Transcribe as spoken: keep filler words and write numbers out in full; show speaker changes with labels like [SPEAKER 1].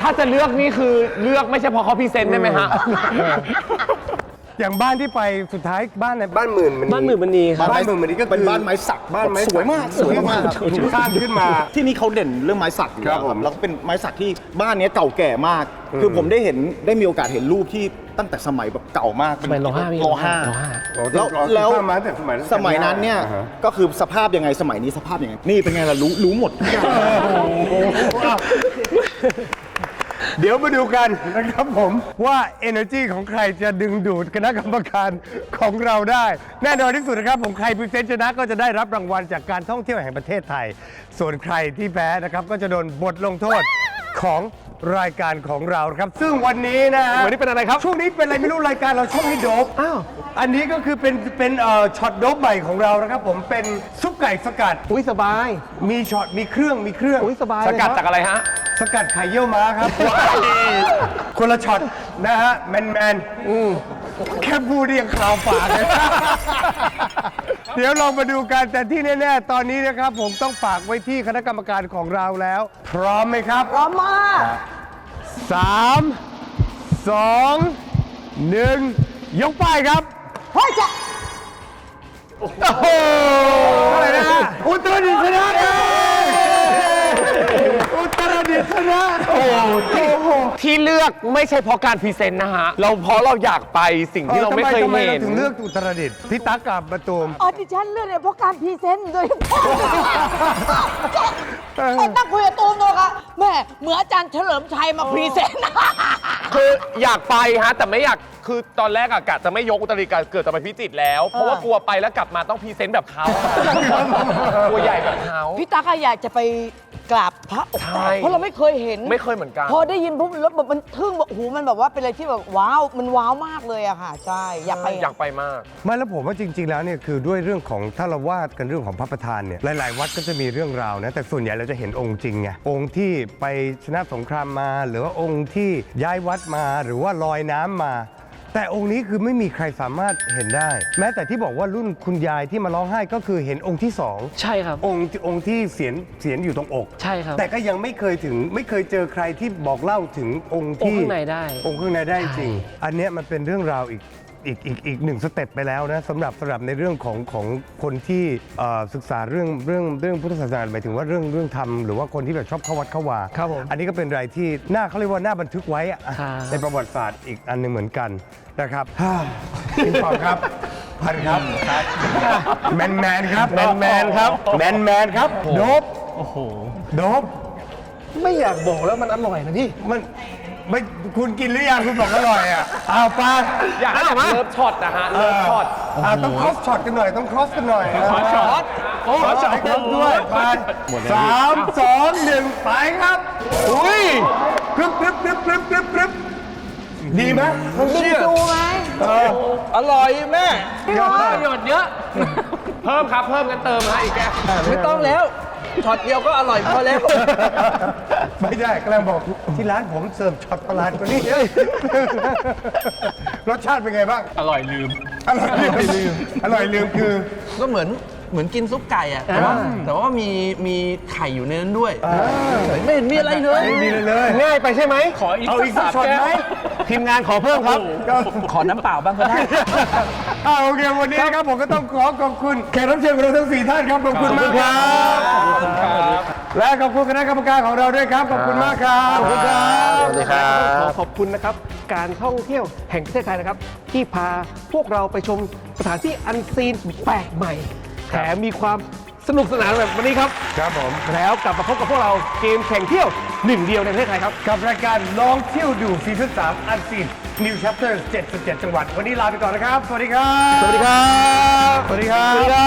[SPEAKER 1] าจะเลือกนี่คือเลือกไม่ใช่เพราะเขาพรีเซนต์ได้ไหมฮะ
[SPEAKER 2] อย่างบ้านที่ไปสุดท้ายบ้านไหน
[SPEAKER 3] บ้านหมื่นมัน
[SPEAKER 1] บ้านหมื่นมณี
[SPEAKER 3] บ้านหมื่นมันนี่ก็เป็นบ้านไม้สักบ้านไม้สวยมากสวยมากถูกสร้างขึ้นมา
[SPEAKER 4] ที่นี่เขาเด่นเรื่องไม้สักอยู่
[SPEAKER 3] ครั
[SPEAKER 4] แล้
[SPEAKER 3] บ
[SPEAKER 4] ว
[SPEAKER 3] ผม
[SPEAKER 4] แล้วก็เป็นไม้สักที่บ้านนี้เก่าแก่มาก คือผมได้เห็นได้มีโอกาสเห็นรูปที่ตั้งแต่สมัยแบบเก่ามาก
[SPEAKER 1] สมัยรห้าพี่
[SPEAKER 4] รห้า
[SPEAKER 1] รห้า
[SPEAKER 4] แล้วแล้ว
[SPEAKER 3] สร้างมาตั้งแต่สมัย
[SPEAKER 4] สมัยนั้นเนี่ย
[SPEAKER 3] อ่าฮะ
[SPEAKER 4] ก็คือสภาพยังไงสมัยนี้สภาพยังไงนี่เป็นไงล่ะรู้รู้หมดทุกอย่าง
[SPEAKER 2] เดี๋ยวมาดูกันนะครับผมว่า energy ของใครจะดึงดูดคณะกรรมการของเราได้ แน่นอนที่สุดนะครับผมใครพรีเซนต์ชนะก็จะได้รับรางวัลจากการท่องเที่ยวแห่งประเทศไทย ส่วนใครที่แพ้นะครับก็จะโดนบทลงโทษของรายการของเราครับซึ่งวันนี้นะฮะ
[SPEAKER 1] วันนี้เป็นอะไรครับ
[SPEAKER 2] ช่วงนี้เป็นอะไรไม่รู้รายการเราช่วงนี้โดบอ้าวอันนี้ก็คือเป็นเป็นเอ่อช็อตโดบใหม่ของเรานะครับผมเป็นซุปไก่สกัด
[SPEAKER 1] อุ้ยสบาย
[SPEAKER 2] มีช็อตมีเครื่องมีเครื่อง
[SPEAKER 1] อุ้ยสบายสกัดจากอะไรฮะ
[SPEAKER 2] สกัดไข่เยี่ยวม้าครับ คนละช็อตนะฮะแมนแมนแค่พูดเรียงข่าวฝากเลย เดี๋ยวลองมาดูกันแต่ที่แน่ๆตอนนี้นะครับผมต้องฝากไว้ที่คณะกรรมการของเราแล้ว พร้อมไหมครับ
[SPEAKER 5] พร้อมมาก
[SPEAKER 2] สามสองหนึ่งยกป้ายครับ
[SPEAKER 5] เฮ้ยจะ
[SPEAKER 2] โอ้โหอะไรนะฮะอุตรดิตถ์ชนะครับอุตรดิตถ์ชนะโอ้โห
[SPEAKER 1] ที่เลือกไม่ใช่เพราะการพรีเซนต์นะฮะ เราเพราะเราอยากไปสิ่งที่เราไม่เคย
[SPEAKER 2] ทำไม
[SPEAKER 1] เห็
[SPEAKER 2] เรา
[SPEAKER 1] น
[SPEAKER 2] ถึงเลือกอุตรดิตถ์พี่ตั๊กกับประตูม
[SPEAKER 5] ออดิชั่นเรื่องเนี่ยเพราะการพรีเซนต์โดยเฉพาะไอ้ตั้งคุยกับตูมเลยค่ะแม่เหมือนอาจารย์เฉลิมชัยมาพรีเซนต์
[SPEAKER 1] คืออยากไปฮะแต่ไม่อยากคือตอนแรกอะกะจะไม่ยกอุตรดิตถ์กะเกิดจะไปพิจิตรแล้ว เพราะว่ากลัวไปแล้วกลับมาต้องพรีเซนต์แบบเขาตัวใหญ่แบบเขา
[SPEAKER 5] พี่ตั๊กอะอยากจะไปกราบพระอก
[SPEAKER 1] ใช่
[SPEAKER 5] แตกเพราะเราไม่เคยเห็น
[SPEAKER 1] ไม่เคยเหมือนกัน
[SPEAKER 5] พอได้ยินปุ๊บแล้วแบบมันทึ่งแบบโอ้โหมันแบบว่าเป็นอะไรที่แบบว้าวมันว้าวมากเลยอะค่ะใช่อยากไป
[SPEAKER 1] อยากไปมาก
[SPEAKER 2] ไม่แล้วผมว่าจริง ๆ แล้วเนี่ยคือด้วยเรื่องของถ้าเราวาดกันเรื่องของพระประธานเนี่ยหลายๆ วัดก็จะมีเรื่องราวนะแต่ส่วนใหญ่เราจะเห็นองค์จริงไงองค์ที่ไปชนะสงครามมา หรือว่าองค์ที่ย้ายวัดมาหรือว่าลอยน้ำมา แต่องค์นี้คือไม่มีใครสามารถเห็นได้ แม้แต่ที่บอกว่ารุ่นคุณยายที่มาร้องไห้ก็คือเห็นองค์ที่สอง
[SPEAKER 6] ใช่ครับ
[SPEAKER 2] องค์องค์ที่เสียนเสียนอยู่ตรงอก
[SPEAKER 6] ใช่ครับ
[SPEAKER 2] แต่ก็ยังไม่เคยถึงไม่เคยเจอใครที่บอกเล่าถึงองค์
[SPEAKER 6] อง
[SPEAKER 2] ที่
[SPEAKER 6] ค์ข้างในได้
[SPEAKER 2] องค์ข้างในได้จริง อันเนี้ยมันเป็นเรื่องราวอีกอีกอีกอีกหนึ่งสเต็ปไปแล้วนะสำหรับสำหรับในเรื่องของของคนที่เอ่อศึกษาเรื่องเรื่องเรื่องพุทธศาสนาหมายถึงว่าเรื่องเรื่องธรรมหรือว่าคนที่แบบชอบเข้าวัดเข้าวา
[SPEAKER 6] ครับผม
[SPEAKER 2] อันนี้ก็เป็นอะไรที่น่าเขาเรียกว่าน่าบันทึกไว้อะ
[SPEAKER 6] ครับ
[SPEAKER 2] ในประวัติศาสตร์อีกอันหนึงเหมือนกันนะครับพี่ปอครับพันครับแมนแมนครับแมนแมนครับแมนแมนครับโดบ
[SPEAKER 6] โอ้โห
[SPEAKER 2] โดบ
[SPEAKER 6] ไม่อยากบอกแล้วมันอร่อยนะพี่
[SPEAKER 2] มันไม่คุณกินหรือยังคุณบอกอร่อยอ่ะอ้าวปา
[SPEAKER 1] อยากให้แบบเลิฟช็อตนะฮะเลิฟช็อต
[SPEAKER 2] อ่าต้อง cross shot กันหน่อย ต้อง cross กันหน่อย
[SPEAKER 1] cross shot
[SPEAKER 2] โอ้ cross shot กันด้วยไปสามสองหนึ่งไปครับ
[SPEAKER 1] อุ้ย
[SPEAKER 2] กรึบกรึบกรึบกรึบกรึบกรึบดีไหม
[SPEAKER 5] บิงซูไหม
[SPEAKER 6] อร่อยแม่
[SPEAKER 5] พี่บอล
[SPEAKER 1] ประโยชน์เยอะ เพิ่มครับเพิ่มกันเติมฮะอีกแก้ว
[SPEAKER 6] ไม่ต้องแล้ว ช็อตเดียวก็อร่อยพอแล้ว
[SPEAKER 2] ไม่ได้กำลังบอกที่ร้านผมเสิร์ฟช็อตประหลาดกว่านี้รสชาติเป็นไงบ้าง
[SPEAKER 1] อร่อยลืม
[SPEAKER 2] อร่อยลืมอร่อยลืมคือ
[SPEAKER 6] ก็เหมือนเหมือนกินซุปไก่อะแต่ว่าแต่ว่ามีมีไข่อยู่ในนั้นด้วยไม่เห็นมีอะไรเลย
[SPEAKER 2] ไม่มีเลยเลย
[SPEAKER 1] ง่ายไปใช่ไหมขออีก
[SPEAKER 2] เอาอีกสักช็อตไหม
[SPEAKER 1] ทีมงานขอเพิ่มครับ
[SPEAKER 6] ขอน้ำเปล่าบ้างก็ได้
[SPEAKER 2] อ่าโอเควันนี้นะครับผมก็ต้องขอขอบคุณแขกรับเชิญของเราทั้งสี่ท่านครับขอบคุณมากครับและขอบคุณคณะกรรมการของเราด้วยครับขอบคุณมากครับขอบคุณครับ
[SPEAKER 1] สวัสดีครับ
[SPEAKER 7] ขอขอบคุณนะครับ การท่องเที่ยวแห่งประเทศไทยนะครับ ที่พาพวกเราไปชมสถานที่อันซีนแปลกใหม่ แถมมีความสนุกสนานแบบวันนี้ครับ
[SPEAKER 2] ครับผม
[SPEAKER 7] แล้วกลับมาพบกับพวกเราเกมแข่งเที่ยวหนึ่งเดียวในประเทศไทยครับ
[SPEAKER 2] กับรายการลองเที่ยวดูซีซั่นสามอันซีน New Chapter เจ็ดสิบเจ็ด จังหวัดวันนี้ลาไปก่อนนะครับ สวัสดีครับ
[SPEAKER 1] สวัสดีครับ
[SPEAKER 2] สวัสดีครับ